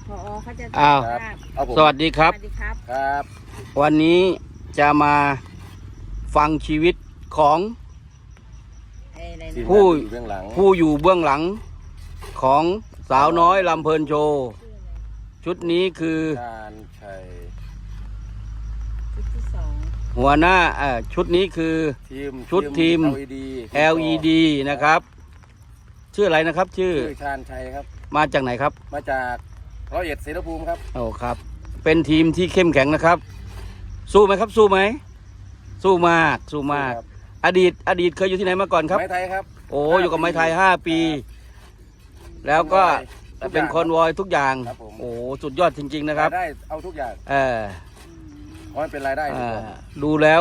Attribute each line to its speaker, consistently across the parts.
Speaker 1: ผอเขาจะ
Speaker 2: อ้าว
Speaker 1: ครับ
Speaker 3: เอาผม
Speaker 2: สวัสดีครับ
Speaker 1: สวัสดีครับ
Speaker 3: ครับ
Speaker 2: วันนี้จะมาฟังชีวิตของ
Speaker 1: อะไร
Speaker 3: ทีม
Speaker 1: นะ
Speaker 2: ผู้
Speaker 3: งานอยู่เบื้องหลัง
Speaker 2: ผู้อยู่เบื้องหลังของสาวน้อยลำเพลินโชว์ชุดนี้คือ
Speaker 3: การชัย
Speaker 1: ชุดที่สอง
Speaker 2: หัวหน้าชุดนี้คือ ชุดทีม LED นะครับ ชื่ออะไรนะครับ ชื่อ
Speaker 3: ชาญชัยครับ
Speaker 2: มาจากไหนครับ
Speaker 3: มาจาก101เสรภูมิครับ
Speaker 2: โอ้ครับ เป็นทีมที่เข้มแข็งนะครับ สู้ไหมครับ สู้ไหมสู้มากสู้มาก
Speaker 3: ครับ
Speaker 2: อดีตเคยอยู่ที่ไหนมาก่อนครับ
Speaker 3: ไม้ไทยครับ
Speaker 2: โอ้อยู่กับไม้ไทย5 ปี แล้วก็
Speaker 3: ทุกอย่าง
Speaker 2: เป็นคอนวอยทุกอย่าง
Speaker 3: ครับผม
Speaker 2: โอ้สุดยอดจริง ๆ นะครับ
Speaker 3: รายได้เอาทุกอย่าง
Speaker 2: เออ
Speaker 3: เพราะมันเป็นรายได้ดีกว่า
Speaker 2: ดูแล้ว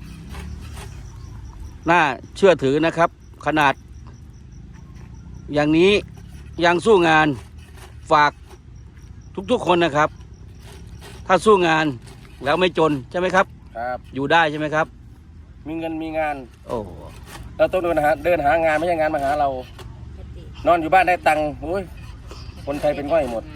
Speaker 2: น่าเชื่อถือนะครับ ขนาด อย่างนี้ยังสู้งานฝากทุกๆคนนะครับ ถ้าสู้งานแล้วไม่จนใช่ไหมครับ
Speaker 3: ครับ
Speaker 2: อยู่ได้ใช่ไหมครับ
Speaker 3: มีเงินมีงาน
Speaker 2: โอ้
Speaker 3: เราต้องเดินหางานไม่ใช่งานมาหาเรา นอนอยู่บ้านได้ตังค์โอ้ยคนไทยเป็นง่อยหมด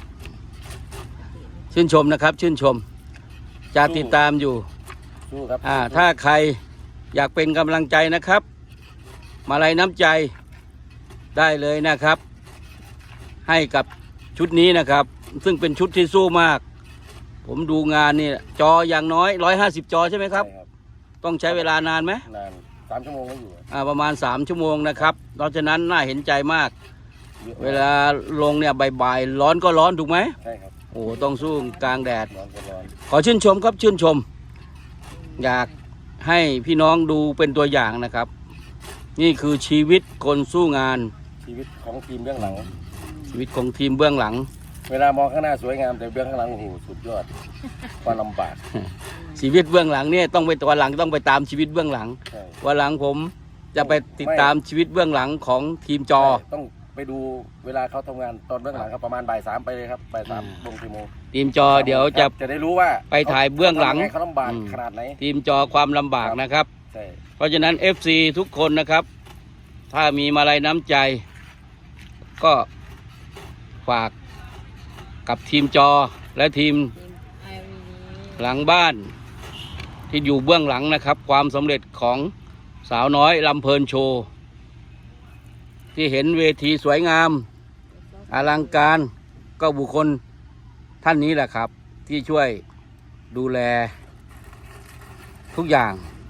Speaker 2: ชื่นชมนะครับ ชื่นชม จะติดตามอยู่
Speaker 3: สู้ครับ
Speaker 2: ถ้าใครอยากเป็นกำลังใจนะครับ มาลัยน้ำใจได้เลยนะครับ ให้กับชุดนี้นะครับ ซึ่งเป็นชุดที่สู้มาก ผมดูงานนี่จออย่างน้อย150 จอใช่ไหมครับ
Speaker 3: ใช่
Speaker 2: ต้องใช้เวลานานไหม
Speaker 3: นาน3 ชั่วโมงก็อยู่
Speaker 2: ประมาณ3 ชั่วโมงนะครับเพราะฉะนั้นน่าเห็นใจมาก
Speaker 3: ยอะ
Speaker 2: เวลาลงเนี่ยบ่ายๆร้อนก็ร้อนถูกไหม
Speaker 3: ใช่ครับ
Speaker 2: โอ้ต้องสู้กลางแดด
Speaker 3: ร้อนก็ร้อน
Speaker 2: ขอชื่นชมครับชื่นชม อยากให้พี่น้องดูเป็นตัวอย่างนะครับ นี่คือชีวิตคนสู้งาน
Speaker 3: ชีวิตของทีมเบื้องหลัง
Speaker 2: ชีวิตของทีมเบื้องหลัง
Speaker 3: เวลามองข้างหน้าสวยงามแต่เบื้องข้างหลังโอ้โหสุดยอดความลำบาก
Speaker 2: ชีวิตเบื้องหลังเนี่ยต้องไปวันหลังต้องไปตามชีวิตเบื้องหลัง
Speaker 3: ใช่
Speaker 2: วันหลังผมจะไปติดตามชีวิตเบื้องหลังของทีมจอ
Speaker 3: ใช่ต้องไปดูเวลาเขาทำงานตอนเบื้องหลังครับประมาณบ่าย 3ไปเลยครับบ่าย 3 ลงกี่โมง
Speaker 2: ทีมจอเดี๋ยวจะ
Speaker 3: จะได้รู้ว่า
Speaker 2: ไปถ่ายเบื้องหลัง
Speaker 3: เขาลำบากขนาดไหน
Speaker 2: ทีมจอความลำบากนะครับ
Speaker 3: ใช่
Speaker 2: เพราะฉะนั้น FC ทุกคนนะครับ ถ้ามีมาลัยน้ำใจ ก็ฝากกับทีมจอและทีม
Speaker 1: ทีมไอวี
Speaker 2: หลังบ้านที่อยู่เบื้องหลังนะครับ ความสำเร็จของสาวน้อยลำเพลินโชว์ที่เห็นเวทีสวยงามอลังการก็บุคคลท่านนี้แหละครับ ที่ช่วยดูแลทุกอย่าง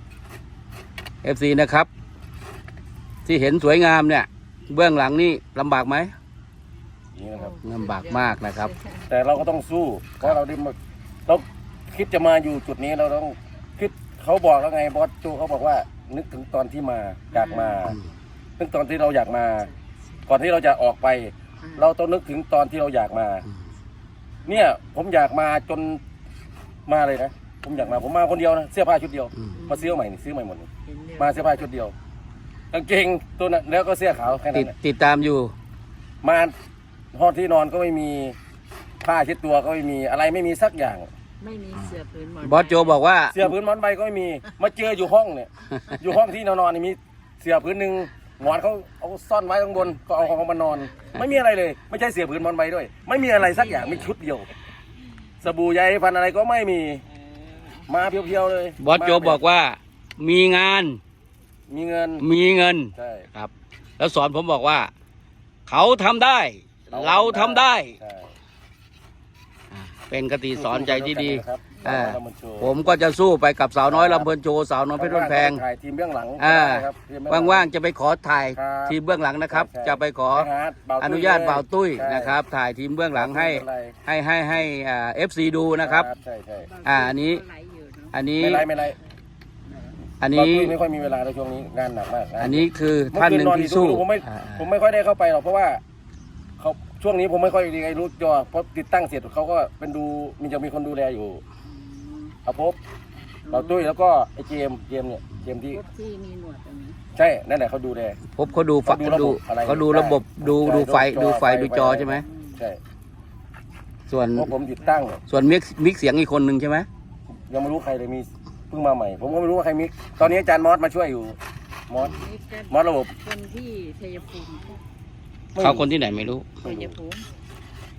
Speaker 2: FC นะครับ ที่เห็นสวยงามเนี่ยเบื้องหลังนี่ลำบากไหม
Speaker 3: นี่นะครับ
Speaker 2: ลำบากมากนะครับ
Speaker 3: แต่เราก็ต้องสู้เพราะเราได้มาเราคิดจะมาอยู่จุดนี้เราต้องคิดเขาบอกแล้วไงบอสโจเขาบอกว่า นึกถึงตอนที่มาอยากมานึกตอนที่เราอยากมา ก่อนที่เราจะออกไป เราต้องนึกถึงตอนที่เราอยากมา เนี่ยผมอยากมาจนมาเลยนะผมอยากมาผมมาคนเดียวนะเสื้อผ้าชุดเดียว มาซื้อใหม่นี่ซื้อใหม่หมดนี่มาเสื้อผ้าชุดเดียวกางเกงตัวนั้นแล้วก็เสื้อขาวแค่นั้นแหละ
Speaker 2: ติดตามอยู่
Speaker 3: มาห้องที่นอนก็ไม่มีผ้าเช็ดตัวก็ไม่มีอะไรไม่มีสักอย่าง
Speaker 1: ไม่มีเสือพื้นหมอน
Speaker 2: บอสโจบอกว่า
Speaker 3: เสื้อพื้นหมอนใบก็ไม่มีมาเจออยู่ห้องเนี่ย อยู่ห้องที่นอนนี่มีเสื้อพื้นหนึ่งหมอนเขาเอาซ่อนไว้ข้างบนก็เอาของเขามานอน ไม่มีอะไรเลย ไม่ใช่เสื้อพื้นหมอนใบด้วย ไม่มีอะไรสักอย่างมีชุดเดียว สบู่ใยพันอะไรก็ไม่มีมาเพียวๆเลย
Speaker 2: บอสโจบอกว่ามีงาน
Speaker 3: มีเงิน
Speaker 2: มีเงิน
Speaker 3: ใช่
Speaker 2: ครับ แล้วสอนผมบอกว่า เขาทำได้ เราทำได้
Speaker 3: ใช่
Speaker 2: เป็นคติสอนใจที่ดี
Speaker 3: ครับ
Speaker 2: ผมก็จะสู้ไปกับสาวน้อยลำเพลินโชว์สาวน้อยเพชรบ้านแพง
Speaker 3: ถ่ายทีมเบื้องหลัง
Speaker 2: ครับ ว่างๆจะไปขอถ่าย
Speaker 3: ครับ
Speaker 2: ทีมเบื้องหลังนะครับ
Speaker 3: ใช่
Speaker 2: จะไปขอ
Speaker 3: ไปหาบ่วตุ้ย
Speaker 2: อนุญาตบ่าวตุ้ย
Speaker 3: ใช่
Speaker 2: นะครับ ถ่ายทีมเบื้องหลังให้
Speaker 3: ไม่เป็นไร
Speaker 2: ให้FC ดูนะครับ
Speaker 3: ใช่ใช่
Speaker 2: อันนี้
Speaker 1: ไหลอยู่เนอะ
Speaker 2: อันนี้
Speaker 3: ไม่ไร
Speaker 2: อัน
Speaker 3: บ่าว
Speaker 2: นี้
Speaker 3: ตุ้ยไม่ค่อยมีเวลาในช่วงนี้งานหนักมากงาน
Speaker 2: อันนี้คือท่านหนึ่งที่สู้
Speaker 3: ผมไม่ค่อยได้เข้าไปหรอกเพราะว่าเขาช่วงนี้ผมไม่ค่อยดีไอ้รู้จอเพราะติดตั้งเสร็จเขาก็เป็นดูจะมีคนดูแลอยู่อาภพบ่าวตุ้ยแล้วก็ไอ้เจมส์เนี่ยเจมส์ที่
Speaker 1: พวกที่มีหนวดตรงนี้
Speaker 3: ใช่นั่นแหละเขาดูแล
Speaker 2: พบเขาดูฝัก
Speaker 3: เขาดูระบบอะไร
Speaker 2: เขาดูระบบ
Speaker 3: ใช่
Speaker 2: ดูไฟ
Speaker 3: จอ
Speaker 2: ดูไฟ
Speaker 3: ไฟ
Speaker 2: ดูจอใช่ไหม
Speaker 3: ใช่
Speaker 2: ส่วน
Speaker 3: เพราะผมติดตั้ง
Speaker 2: ส่วนมิกเสียงอีกคนหนึ่งใช่ไหม
Speaker 3: ยังไม่รู้ใครเลยมีเพิ่งมาใหม่ ผมก็ไม่รู้ว่าใครมิกตอนนี้อาจารย์มอสมาช่วยอยู่มอส
Speaker 1: นี่ก็
Speaker 3: มอสระบบ
Speaker 1: คนที่ชัยภูมิ
Speaker 2: เขาคนที่ไหนไม่รู้
Speaker 1: ชัยภูมิ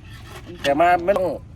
Speaker 3: แต่มาไม่ต้อง